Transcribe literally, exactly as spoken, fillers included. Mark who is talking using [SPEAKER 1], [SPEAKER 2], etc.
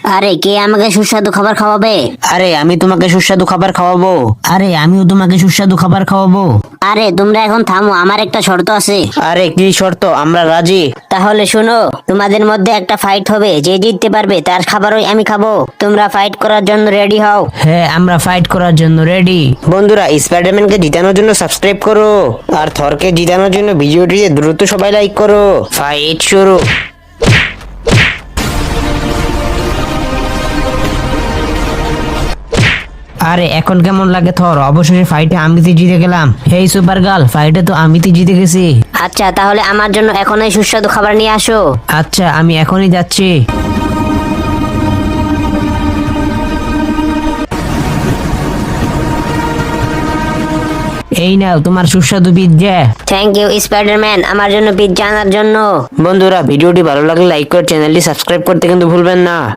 [SPEAKER 1] আরে কে আমাকে সুস্বাদু খাবার খাওয়াবে?
[SPEAKER 2] আরে আমি তোমাকে সুস্বাদু খাবার খাওয়াবো। আরে আমিও তোমাকে সুস্বাদু খাবার খাওয়াবো।
[SPEAKER 1] আরে তোমরা এখন থামো, আমার একটা শর্ত আছে।
[SPEAKER 2] আরে কি শর্ত? আমরা রাজি।
[SPEAKER 1] তাহলে শোনো, তোমাদের মধ্যে একটা ফাইট হবে, যে জিততে পারবে তার খাবারই আমি খাবো। তোমরা ফাইট করার জন্য রেডি হও।
[SPEAKER 2] হ্যাঁ, আমরা ফাইট করার জন্য রেডি। বন্ধুরা, স্পাইডারম্যানকে জিতানোর জন্য সাবস্ক্রাইব করো, আর থরকে জিতানোর জন্য ভিডিওটি দ্রুত সবাই লাইক করো। ফাইট শুরু। আরে এখন কেমন লাগে থর? অবশেষে ফাইটে আমি তো জিতে গেলাম। হেই সুপার গার্ল, ফাইটে তো আমি তো জিতে গেছি।
[SPEAKER 1] আচ্ছা, তাহলে আমার জন্য এখনই সুস্বাদু খাবার নিয়ে আসো।
[SPEAKER 2] আচ্ছা, আমি এখনই যাচ্ছি। এই নাও তোমার সুস্বাদু পিৎজা।
[SPEAKER 1] থ্যাংক ইউ স্পাইডারম্যান, আমার জন্য পিৎজা আনার জন্য।
[SPEAKER 2] বন্ধুরা, ভিডিওটি ভালো লাগলে লাইক করে চ্যানেলটি সাবস্ক্রাইব করতে কিন্তু ভুলবেন না।